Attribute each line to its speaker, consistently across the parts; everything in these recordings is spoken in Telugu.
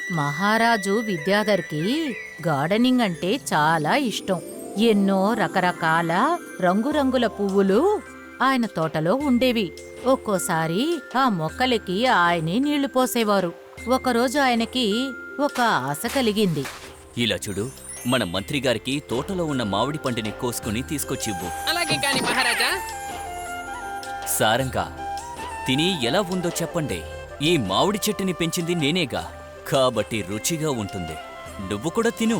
Speaker 1: మహారాజు విద్యాధర్కి గార్డెనింగ్ అంటే చాలా ఇష్టం. ఎన్నో రకరకాల రంగురంగుల పువ్వులు ఆయన తోటలో ఉండేవి. ఒక్కోసారి ఆ మొక్కలకి ఆయనే నీళ్లు పోసేవారు. ఒకరోజు ఆయనకి ఒక ఆశ కలిగింది.
Speaker 2: ఇలా చూడు, మన మంత్రి గారికి తోటలో ఉన్న మామిడి పండుని కోసుకుని తీసుకొచ్చివ్వు.
Speaker 3: అలాగే కాని మహారాజా.
Speaker 2: సారంగా తిని ఎలా ఉందో చెప్పండి. ఈ మామిడి చెట్టుని పెంచింది నేనేగా, కాబట్టి రుచిగా ఉంటుంది. నువ్వు కూడా తిను.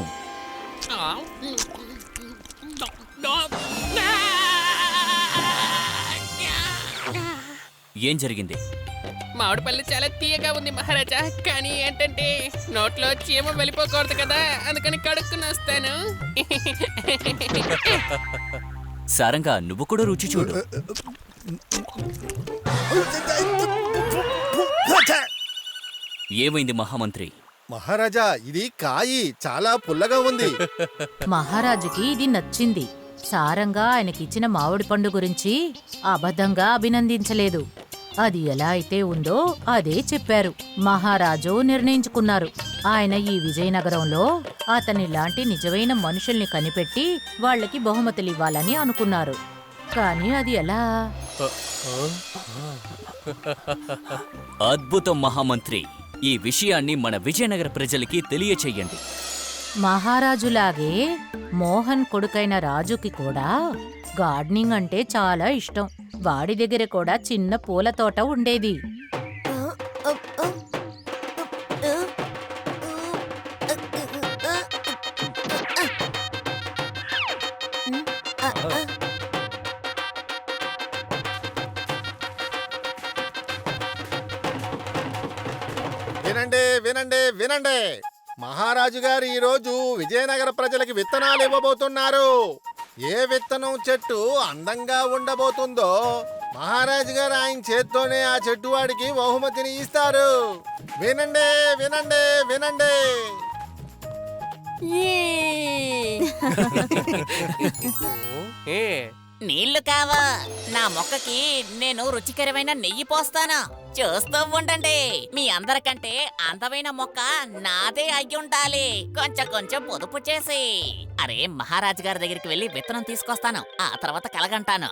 Speaker 2: ఏం జరిగింది?
Speaker 3: మామిడి పళ్ళు చాలా తీయగా ఉంది మహారాజా. కానీ ఏంటంటే నోట్లో చీమ వెళ్ళిపోకూడదు కదా, అందుకని కడుక్కుని వస్తాను.
Speaker 2: సారంగా నువ్వు కూడా రుచి చూడు. ఏమైంది మహామంత్రి?
Speaker 4: మహారాజా, ఇది కాయి చాలా పుల్లగా ఉంది.
Speaker 1: మహారాజుకి ఇది నచ్చింది. సారంగా ఆయనకిచ్చిన మామిడి పండు గురించి అబద్ధంగా అభినందించలేదు. అది ఎలా అయితే ఉందో అదే చెప్పారు. మహారాజు నిర్ణయించుకున్నారు, ఆయన ఈ విజయనగరంలో అతనిలాంటి నిజమైన మనుషుల్ని కనిపెట్టి వాళ్లకి బహుమతులివ్వాలని అనుకున్నారు. కానీ అది ఎలా?
Speaker 2: అద్భుతం మహామంత్రి. ఈ విషయాన్ని మన విజయనగర ప్రజలకి తెలియచెయ్యండి.
Speaker 1: మహారాజులాగే మోహన్ కొడుకైన రాజుకి కూడా గార్డెనింగ్ అంటే చాలా ఇష్టం. వాడి దగ్గర కూడా చిన్న పూల తోట ఉండేది.
Speaker 4: వినండి వినండి వినండి, మహారాజు గారు ఈరోజు విజయనగర ప్రజలకి విత్తనాలు ఇవ్వబోతున్నారు. ఏ విత్తనం చెట్టు అందంగా ఉండబోతుందో మహారాజు గారు ఆయన చేత్తోనే ఆ చెట్టు వాడికి బహుమతిని ఇస్తారు. వినండి వినండి వినండి.
Speaker 5: నీళ్లు కావా? నా మొక్కకి నేను రుచికరమైన నెయ్యి పోస్తాను. చూస్తూ ఉండండి. మీ అందరికంటే అందమైన మొక్క నాదే అయ్యి ఉండాలి. కొంచెం కొంచెం పొదుపు చేసి. అరే, మహారాజు గారి దగ్గరికి వెళ్ళి విత్తనం తీసుకొస్తాను. ఆ తర్వాత కలగంటాను.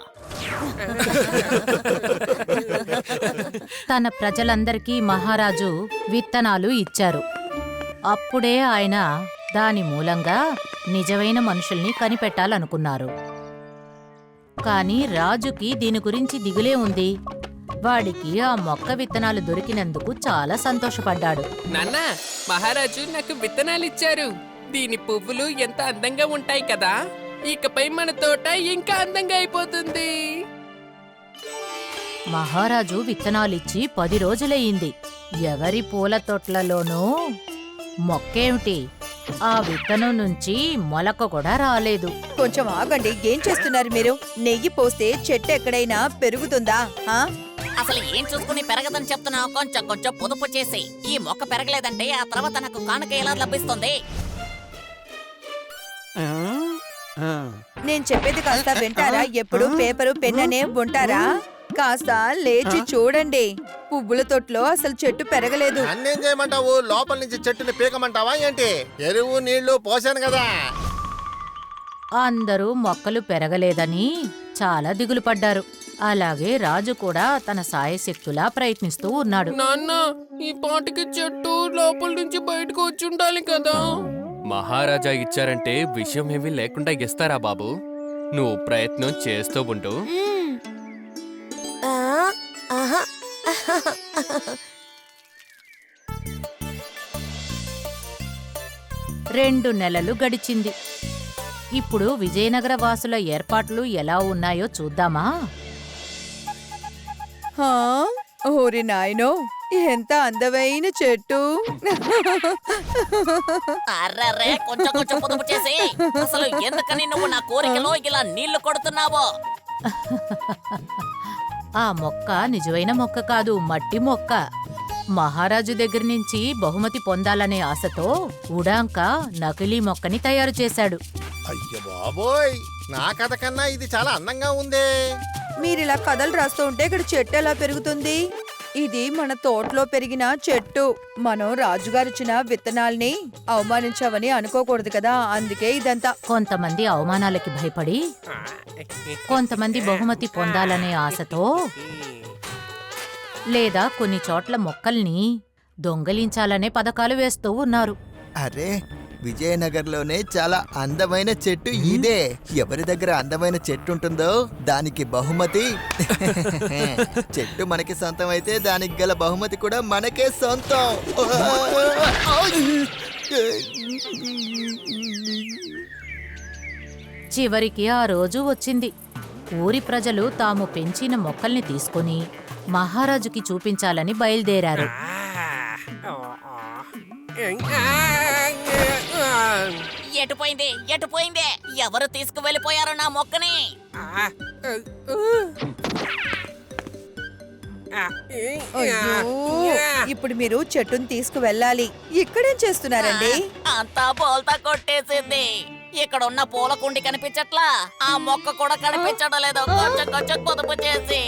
Speaker 1: తన ప్రజలందరికీ మహారాజు విత్తనాలు ఇచ్చారు. అప్పుడే ఆయన దాని మూలంగా నిజమైన మనుషుల్ని కనిపెట్టాలనుకున్నారు. కాని రాజుకి దీని గురించి దిగులే ఉంది. వాడికి ఆ మొక్క విత్తనాలు దొరికినందుకు చాలా సంతోషపడ్డాడు.
Speaker 3: నాన్న, మహారాజు నాకు విత్తనాలు ఇచ్చారు. దీని పువ్వులు ఎంత అందంగా ఉంటాయి కదా. ఇకపై మన తోట ఇంకా అందంగా అయిపోతుంది.
Speaker 1: మహారాజు విత్తనాలిచ్చి 10 రోజులయ్యింది. ఎవరి పూల తోటలలోనూ మొక్కేమిటి, ఆ విత్తనం నుంచి మొలక కూడా రాలేదు.
Speaker 6: కొంచెం ఆగండి, ఏం చేస్తున్నారు మీరు? నెయ్యి పోస్తే చెట్టు ఎక్కడైనా పెరుగుతుందా?
Speaker 5: అసలు ఏం చూసుకుని పెరగదని చెప్తున్నావు? కొంచెం కొంచెం పొదుపు చేసి. ఈ మొక్క పెరగలేదంటే ఆ తర్వాత నాకు కానుక ఎలా లభిస్తుంది?
Speaker 6: నేను చెప్పేది కాస్త వింటారా? ఎప్పుడు పేపరు పెన్ అనే ఉంటారా? కాస్త లేచి చూడండి. పువ్వుల తొట్లో అసలు చెట్టు పెరగలేదు.
Speaker 4: అన్నేం చేయమంటావు? లోపల నుంచి చెట్టుని పీకమంటావా ఏంటి? ఎరువు నీళ్లు పోసాను కదా.
Speaker 1: అందరూ మొక్కలు పెరగలేదని చాలా దిగులు పడ్డారు. అలాగే రాజు కూడా తన సాయశక్తులా ప్రయత్నిస్తూ ఉన్నాడు.
Speaker 3: నాన్న, ఈ పాటికి చెట్టు లోపల నుంచి బయటకు వచ్చి ఉండాలి కదా.
Speaker 7: మహారాజా ఇచ్చారంటే విషయం ఏమీ లేకుండా ఇస్తారా బాబు? నువ్వు ప్రయత్నం చేస్తూ ఉంటూ.
Speaker 1: 2 నెలలు గడిచింది. ఇప్పుడు విజయనగర వాసుల ఏర్పాట్లు ఎలా ఉన్నాయో చూద్దామా?
Speaker 6: ఓరి నాయనో, ఎంత అందమైన చెట్టు!
Speaker 5: అర్రర్రే, కొంచెం కొంచెం పొదుపు చేసి. అసలు ఎందుకని నువ్వు నా కోరికలో ఇలా నీళ్లు కొడుతున్నావో?
Speaker 1: ఆ మొక్క నిజమైన మొక్క కాదు, మట్టి మొక్క. మహారాజు దగ్గర నుంచి బహుమతి పొందాలనే ఆశతో ఉడాంక నకిలీ మొక్కని తయారు చేశాడు.
Speaker 4: అయ్య బాబోయ్, నా కథ కన్నా ఇది చాలా అందంగా ఉందే.
Speaker 6: మీరిలా కథలు రాస్తూ ఉంటే ఇక్కడ చెట్టు ఎలా పెరుగుతుంది? ఇది మన తోటలో పెరిగిన చెట్టు. మనం రాజుగారిచ్చిన విత్తనాల్ని అవమానించావని అనుకోకూడదు కదా, అందుకే ఇదంతా.
Speaker 1: కొంతమంది అవమానాలకి భయపడి, కొంతమంది బహుమతి పొందాలనే ఆశతో, లేదా కొన్ని చోట్ల మొక్కల్ని దొంగలించాలనే పథకాలు వేస్తూ ఉన్నారు.
Speaker 8: అరే, విజయనగర్లోనే చాలా అందమైన చెట్టు ఇదే. ఎవరి దగ్గర అందమైన చెట్టు ఉంటుందో దానికి బహుమతి. చెట్టు మనకి సొంతం అయితే దానికి గల బహుమతి కూడా మనకే సొంతం.
Speaker 1: చివరికి ఆ రోజు వచ్చింది. ఊరి ప్రజలు తాము పెంచిన మొక్కల్ని తీసుకుని మహారాజుకి చూపించాలని బయలుదేరారు.
Speaker 5: ఎటుపోయింది ఎటుపోయింది? ఎవరు తీసుకువెళ్ళిపోయారు నా మొక్కని?
Speaker 6: అయ్యో, ఇప్పుడు మీరు చెట్టుని తీసుకువెళ్ళాలి. ఇక్కడేం చేస్తున్నారండి?
Speaker 5: అంతా బోల్తా కొట్టేసింది. ఇక్కడ ఉన్న పూల కుండి కనిపించట్లా, ఆ మొక్క కూడా కనిపించడం లేదు. కొంచెం కొంచెం పొదుపు చేసి.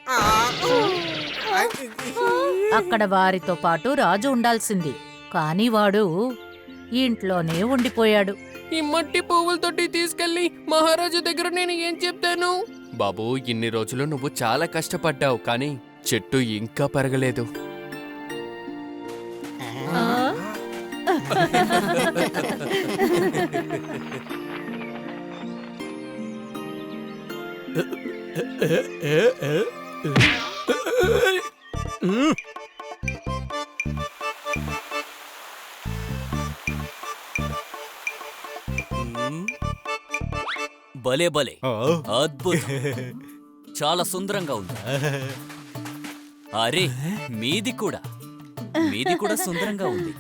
Speaker 1: అక్కడ వారితో పాటు రాజు ఉండాల్సింది, కాని వాడు ఇంట్లోనే ఉండిపోయాడు.
Speaker 3: ఈ మట్టి పువ్వులతోటి తీసుకెళ్లి మహారాజు దగ్గర నేను ఏం చెప్తాను?
Speaker 7: బాబు, ఇన్ని రోజులు నువ్వు చాలా కష్టపడ్డావు, కానీ చెట్టు ఇంకా పెరగలేదు.
Speaker 2: భలే భలే, అద్భుతం, చాలా సుందరంగా ఉంది. అరే, మీది కూడా సుందరంగా ఉంది.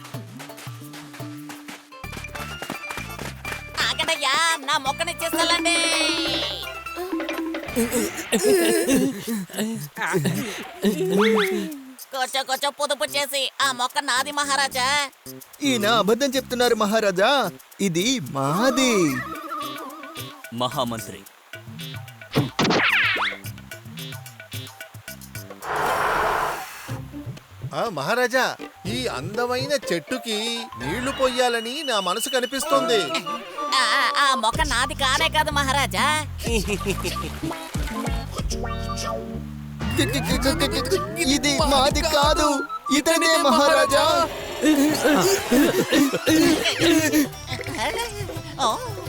Speaker 5: ఆగడయ్యా, నా మొక్కని తీసుకెళ్ళండి. కొంచెం కొంచెం పొదుపు చేసి, ఆ మొక్క నాది మహారాజా.
Speaker 8: ఈయన అబద్ధం చెప్తున్నారు మహారాజా, ఇది మాది.
Speaker 2: మహామంత్రి,
Speaker 4: మహారాజా, ఈ అందమైన చెట్టుకి నీళ్లు పొయ్యాలని నా మనసు కనిపిస్తోంది.
Speaker 5: ఆ మొక్క నాది కానే కాదు మహారాజా.
Speaker 8: ఇది మాది కాదు, ఇతనే మహారాజా.
Speaker 5: ఓ,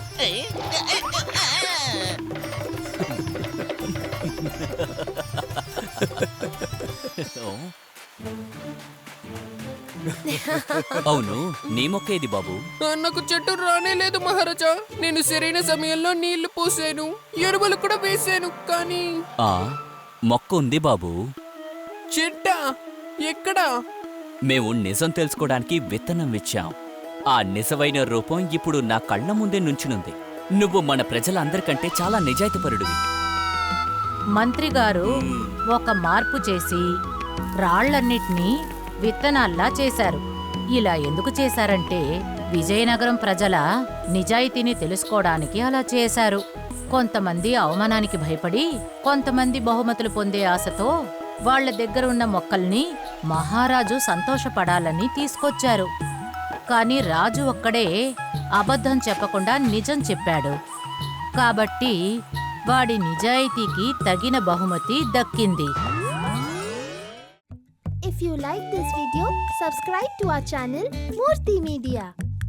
Speaker 2: అవును, నీ మొక్క ఏది బాబు?
Speaker 3: నాకు చెట్టు రానే లేదు మహారాజా. నేను సరైన సమయంలో నీళ్లు పోసాను, ఎరువులు కూడా వేసాను, కానీ
Speaker 2: ఆ మొక్క ఉంది బాబు.
Speaker 3: చెట్ట ఎక్కడా?
Speaker 2: మేము నిజం తెలుసుకోవడానికి విత్తనం ఇచ్చాం. ఆ నిజమైన రూపం ఇప్పుడు నా కళ్ళ ముందే నుంచునుంది. నువ్వు మన ప్రజలందరికంటే చాలా నిజాయితీపరుడివి.
Speaker 1: మంత్రిగారు ఒక మార్పు చేసి రాళ్లన్నిటినీ విత్తనాల్లా చేశారు. ఇలా ఎందుకు చేశారంటే విజయనగరం ప్రజల నిజాయితీని తెలుసుకోవడానికి అలా చేశారు. కొంతమంది అవమానానికి భయపడి, కొంతమంది బహుమతులు పొందే ఆశతో వాళ్ల దగ్గరున్న మొక్కల్ని మహారాజు సంతోషపడాలని తీసుకొచ్చారు. కాని రాజు ఒక్కడే అబద్ధం చెప్పకుండా నిజం చెప్పాడు. కాబట్టి వాడి నిజాయితీకి తగిన బహుమతి దక్కింది.
Speaker 9: If you like this video, subscribe to our channel Murthy Media.